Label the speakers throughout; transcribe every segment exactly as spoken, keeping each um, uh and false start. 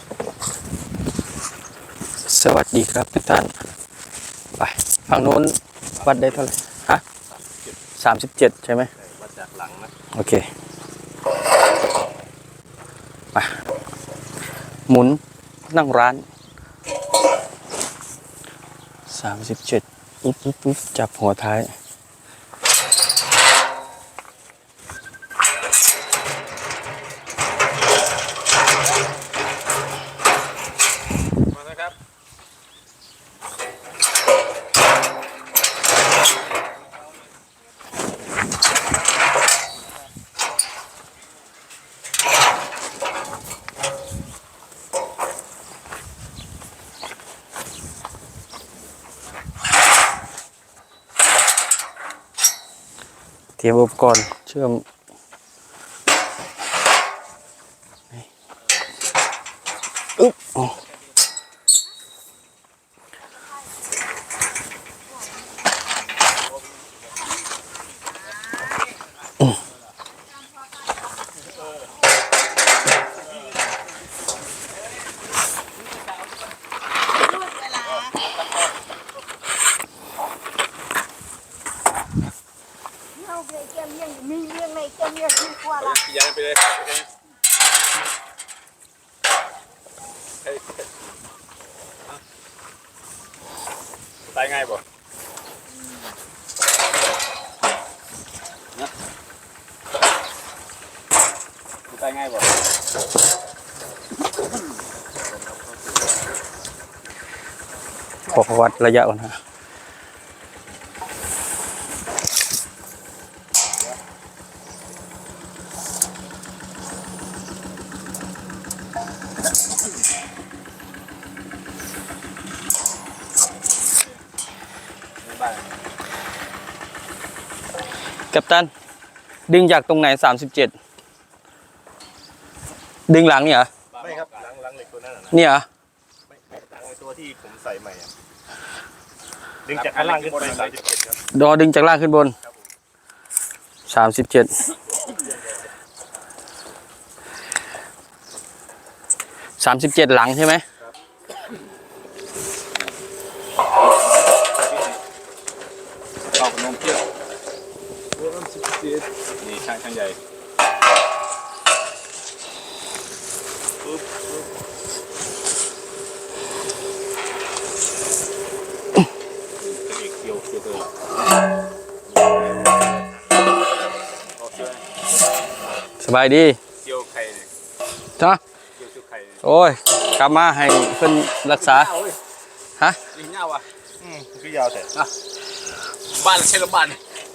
Speaker 1: สวัสดีครับทุกท่านไปฝั่งโน้นวัดได้เท่าไหร่ฮะสามสิบเจ็ดใช่ไหมวัดจากหลังนะโอเคไปหมุนนั่งร้านสามสิบเจ็ดปุ๊บปุ๊บปุ๊บจับหัวท้ายเตรียมอุปกรณ์เชื่อมอึ๊บ
Speaker 2: มีเรื่องในเจ้าเนี่ยที่กว่าละ
Speaker 3: ยังไปเลยตายง่ายบ่นะตายง่ายบ่
Speaker 1: ขอวัดระยะก่อนฮะกัปตันดึงจากตรงไหนสามสิบเจ็ดดึงหลังเนี่ยเหรอ
Speaker 3: ไม่ครับหลังหลังเหล็กตัวนั้นนะ
Speaker 1: เนี่ยเหรอ
Speaker 3: ไม่หลังตัวที่ผมใส่ใหม่ดึงจากข้างล่างขึ้นไปสามสิบเจ็ดครับ
Speaker 1: ดอดึงจากล่างขึ้นบนสามสิบเจ็ดสามสิบเจ็ดหลังใช่ไหม
Speaker 3: ต่อขนมเปี๊ยะนี่ช่างช่างใหญ่ปุ๊บปุ๊บอีกเกี่ยวเกี่ยวเลย
Speaker 1: สบายดี
Speaker 3: เกี่ยวไข่
Speaker 1: จ้ะ
Speaker 3: เกี่ยวชุดไข่
Speaker 1: โอ้ยกลับมาให้เพิ่นรักษาฮะ
Speaker 3: ลิงยาวอ่ะอืมคือยาวแต่บ้านใช่หรือบ้าน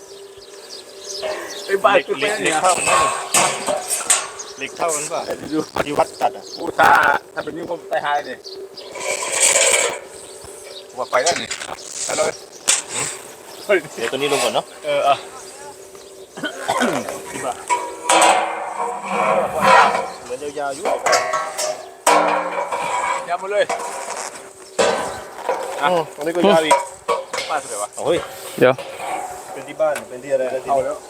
Speaker 3: ไอ้บ้านคือเป็นเหล็กเท่าเหล็กเท่ากันป่ะที่วัดตัดอ่ะอู้ถ้าถ้าเป็นนิ้วผมตายหายเลยว่าไปแล้วนี่ฮัลโหลเดี๋ยวตัวนี้ลงก่อนเนาะเออเออที่บ้านเหมือนยาวๆอยู่ยาวมาเลยอ่ะตรงนี้ก็ยาวอีกบ้านเท่าไหร่วะโอ้ย
Speaker 1: เดี๋ยว
Speaker 3: เป็นที่บ้านเป็นที่อะไรแล้วที่เอาแล้ว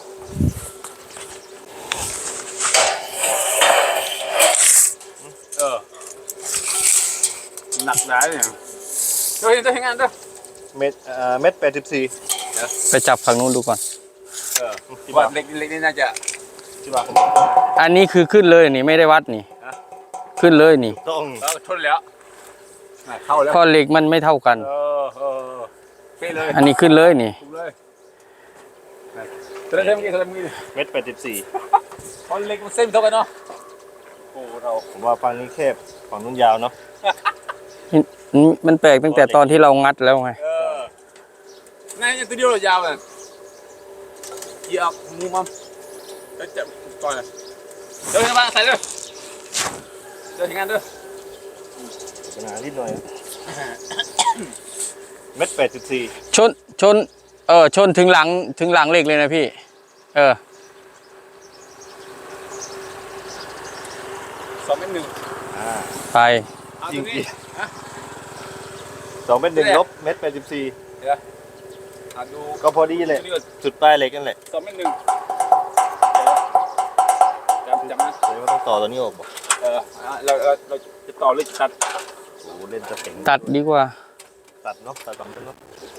Speaker 3: เออหนักหนาเนี่ยเฮ้ยจะให้งานด้วยเม็ดอ่าเม็ดแปดสิบสี่
Speaker 1: ไปจับฝั่งนู้นดูก่อน
Speaker 3: เออที่บ้านเล็กเล็กนี่น่าจะที่บ้าน
Speaker 1: อันนี้คือขึ้นเลยนี่ไม่ได้วัดนี่ขึ้นเลยนี่
Speaker 3: ต้องชนแล้วเข้าแล้ว
Speaker 1: ข้อเหล็กมันไม่เท่ากัน
Speaker 3: เออเออเป๊ะเลย
Speaker 1: อันนี้ขึ้นเลยนี่
Speaker 3: จะได้เท่าไหร่เท่าไหร่เม็ดแปดสิบสี่ข้อเล็กมันเส้นเท่ากันเนาะโอ้เราผมว่าฝั่งนี้แคบฝั่งนู้นยาวเนาะ
Speaker 1: มันแปลกตั้งแต่ตอนที่เรางัดแล้วไง
Speaker 3: เออนั่นตัวเดียวเรายาวเลยเหยียบมูมัมแล้วจับก่อนเลยเดี๋ยวมาใส่เลยเดี๋ยวทำงานด้วยปัญหานิดหน่อยเม็ดแปดสิบสี่
Speaker 1: ชนชนเออชนถึงหลังถึงหลังเหล็กเลยนะพี่เออ
Speaker 3: สองเม็ดหนึ่ง
Speaker 1: ไป
Speaker 3: จริงสองเม็ดหนึ่งลบเม็ดแปดสิบสี่ก็พอดีเลยจุดปลายเหล็กนั่นแหละสองเม็ดหนึ่งจำจำนะเดี๋ยวต้องต่อตัวนี้ออกบ่เออเราเราเราจะต่อหรือจะตัด
Speaker 4: โอ้เล่นจะเต็ง
Speaker 1: ตัดดีกว่า
Speaker 4: ตัดเนาะตัดสองต้นเนาะ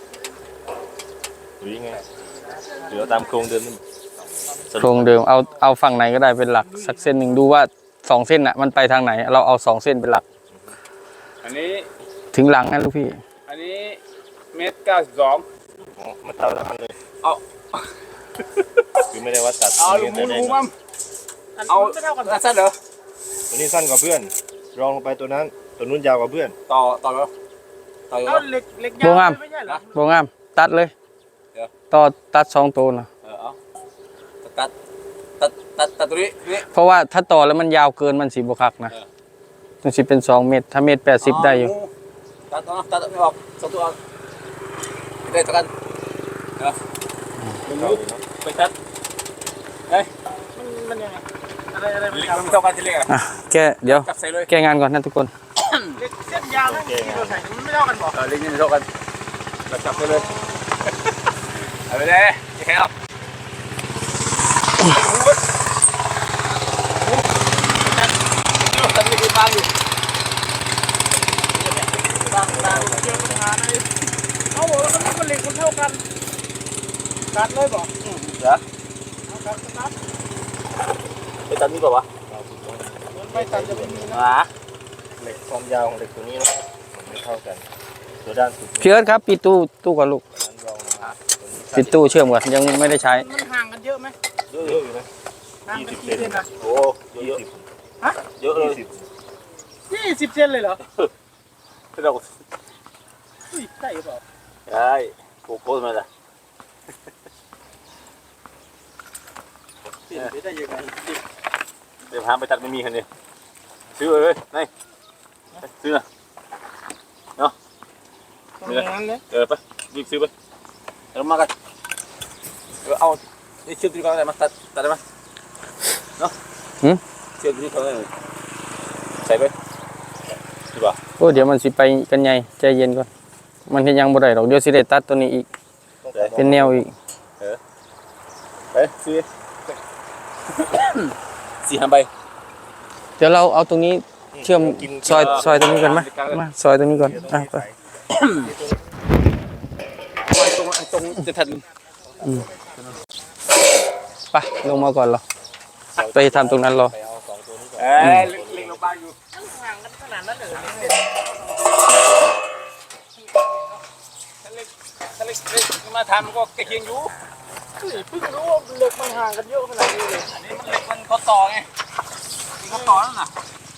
Speaker 4: หรือยังไงหรือเอาตามโครงเดิมนี่
Speaker 1: โครงเดิมเอาเอาฝั่งไหนก็ได้เป็นหลักสักเส้นหนึ่งดูว่าสองเส้นน่ะมันไปทางไหน เราเอาสองเส้นเป็นหลัก
Speaker 3: อันนี้
Speaker 1: ถึงหลังนะลูกพี่
Speaker 3: อันนี้เมตรเก้าสิบสอง
Speaker 4: อ๋อมันเท่ากันเลย
Speaker 3: เอา
Speaker 4: คือไม่ได้ว่าตัด
Speaker 3: เอาลูกมูลูกมั่มเอาสั้นเหรอ
Speaker 4: ตัวนี้สั้นกว่าเพื่อน รองลงไปตัวนั้นตัวนู้นยาวกว่าเพื่อน
Speaker 3: ต่อต่อแล้วต่อแล้ว
Speaker 2: เอาเหล็กเหล็ก
Speaker 1: โบ
Speaker 2: ยาว
Speaker 1: งาม
Speaker 2: ไม่ใช่เหรอ
Speaker 1: โบงามตัดเลยต่อตัดสองตัวนะ
Speaker 3: เออเอาตัดตัดตัดตัดตัวนี้นี่
Speaker 1: เพราะว่าถ้าต่อแล้วมันยาวเกินมันสีบวคักนะมันสิเป็นสองเมตรถ้าเมตรแปดสิบได้อยู่
Speaker 3: ตัดตัวตัดไม่ออกสองตัวได้ตัดกันเออไปตัดเฮ้ย
Speaker 2: มันมันยังไงอะไรอะไรมัน
Speaker 3: เล็ก
Speaker 2: ยาว
Speaker 3: มันเท่ากันที่เล็กอ่ะ
Speaker 1: อ่ะแกเดี๋ยว
Speaker 3: จับใส่เลย
Speaker 1: แกงานก่อนนะทุกคน
Speaker 2: เหล็กเส้นยาวนั่นที่เราใส่มันไม่เท่ากันบอก
Speaker 3: เออเล็กนี่มันเท่ากันเราจับใส่เลยเอาไปเลยแค่หรอกตัดไม่กี่บางอยู่บางบาง
Speaker 2: เจอปัญหาในเอาบอกแล้วมันเหล็กมันเท่ากันตัดเลยบอก
Speaker 3: เหรอ
Speaker 2: เอาตัดตัด
Speaker 3: ไปตัดนี่เปล่าวะ
Speaker 2: มันไม่ตัดจะไม่มีนะ
Speaker 3: อ่า
Speaker 4: เหล็กความยาวของเหล็กตัวนี้เนาะมันไม่เท่ากัน ตัวด้านสุด
Speaker 1: พี่เอิร์ธครับปิดตู้ตู้ก่อนลูก
Speaker 4: นั้นรองลงมาตัวนี้
Speaker 1: ปิดตู้เชื่อมก่อนยังไม่ได้ใช้
Speaker 2: มันห่างกันเยอะไหม
Speaker 4: เยอะอยู่นะ
Speaker 2: ห่าง
Speaker 4: ยี่
Speaker 2: กัน
Speaker 4: สิบ
Speaker 2: กี่
Speaker 4: เซน
Speaker 2: เซนอะ
Speaker 3: โอ้เยอะ
Speaker 4: ยี่สิบ
Speaker 2: ฮะ
Speaker 3: เยอะเลย
Speaker 4: ยี่สิบ
Speaker 2: ยี่สิบเซนเลยเหรอ
Speaker 3: เรา
Speaker 2: อุ้ยใช่หรือเปล่า
Speaker 3: ใช่โกโก้มาละ
Speaker 2: เปลี่ยนไปได้ยังไง
Speaker 3: เดี๋ยวพาไปตัดไม่มีคันนี้ซื้อเลยนี่ซื้อ
Speaker 2: ตรงนั้นเลย
Speaker 3: เออไปรีบซื้อไปเอามากันเออเอานี่เชือกที่เขาได้มาตัดตัดได้ไหมเนาะเชือกที่เขาได้ใส่ไปดีป่ะ
Speaker 1: โอ้เดี๋ยวมันสิไปกันใหญ่ใจเย็นก่อนมันยังบ่ได้หรอกเดี๋ยวสิได้ตัดตัวนี้อีกเป็นแนวอีก
Speaker 3: ไปซื้อสี่ห้าใบ
Speaker 1: เดี๋ยวเราเอาตรงนี้เชื่อมซอยซอยตรงนี้ก่อนไหมมาซอยตรงนี้ก่อนอ่ะไป
Speaker 3: ตรงตรงจะทัน
Speaker 1: ไปลงมาก่อนเราไปทำตรงนั้นรอ
Speaker 4: ไปเอาสองตัวนี้ก่อน
Speaker 3: เอ้ยเล็งลงบ้านอยู่
Speaker 2: มันห่างกันขนาดนั้นเลย
Speaker 3: ถ้าเล็กถ้าเล็กเล็กมาทำมันก็ใกล้เคียงอยู่
Speaker 2: เพิ่งรู้ว่าเหล็กมันห่างกันเยอะขนาดนี้เลย
Speaker 3: อันนี้มันเล็กมันเขาต่อไงเขาต่อนั่นน่ะ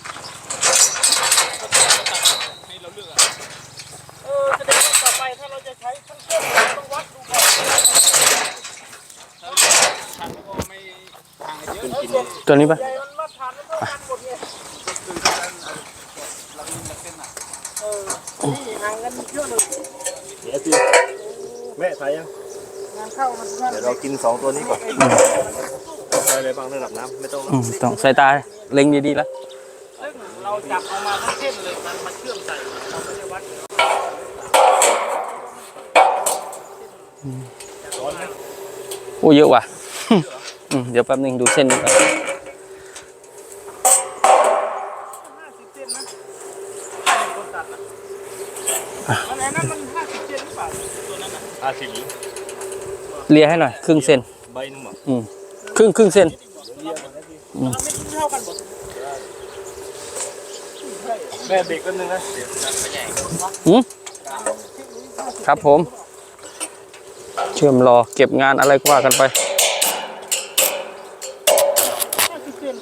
Speaker 3: ให้เราเลือกอ่ะ
Speaker 2: เออแสดงว่าต่อไปถ้าเราจะใช้ทั้งเครื่องเราต้องวัดดูก่อน
Speaker 3: ถ้าเลือกทำก็ไม่ห่างกันเยอะ
Speaker 2: แล้วส่วน
Speaker 1: ตัวนี้ปะ
Speaker 2: ใหญ่มันมาทานมันเท่ากันหมดไง
Speaker 3: คือการเรามีเส้นอ่ะ
Speaker 2: เออนี่ห่างกันเยอะเลย
Speaker 4: เดี๋ยวสิแม่ถ่ายยัง
Speaker 2: งานเข้ามันงาน
Speaker 4: เดี๋ยวเรากินสองตัวนี้ก่อนใส่อะไรบ้างระดับน้ำไม่ต้อง
Speaker 1: อืมต้องสายตาเล็งดีๆแล้ว
Speaker 2: ซึ่งเราจับออกมาทั้งเส้นเลยมันมาเชื่อมใส่เราไม่ได้วัด
Speaker 1: โอ้เยอะว่ะ อืมเดี๋ยวแป๊บนึงดูเส้นนี้ก่อน
Speaker 2: ห้าสิบเซนนะถ้าเป็นคนตัดนะอันไหนนั้นมันห้าสิบเซนหรือเปล่าตัวนั้นน่ะ
Speaker 4: ห้าสิบหรือ
Speaker 1: เลียให้หน่อยครึ่งเส้น
Speaker 4: ใบหนึงหรอ
Speaker 1: อืมครึ่งครึ่งเส้น
Speaker 2: เราไม่เท่ากันหมด
Speaker 4: แม่เบรกแป๊บนึงนะเดี๋ยว
Speaker 1: หืมครับผม เชื่อมรอเก็บงานอะไรก็ว่ากันไป
Speaker 2: ห้าสิบเซน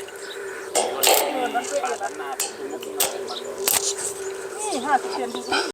Speaker 2: เออนั่นด้วยกันนะนี่ห้าสิบเซนดู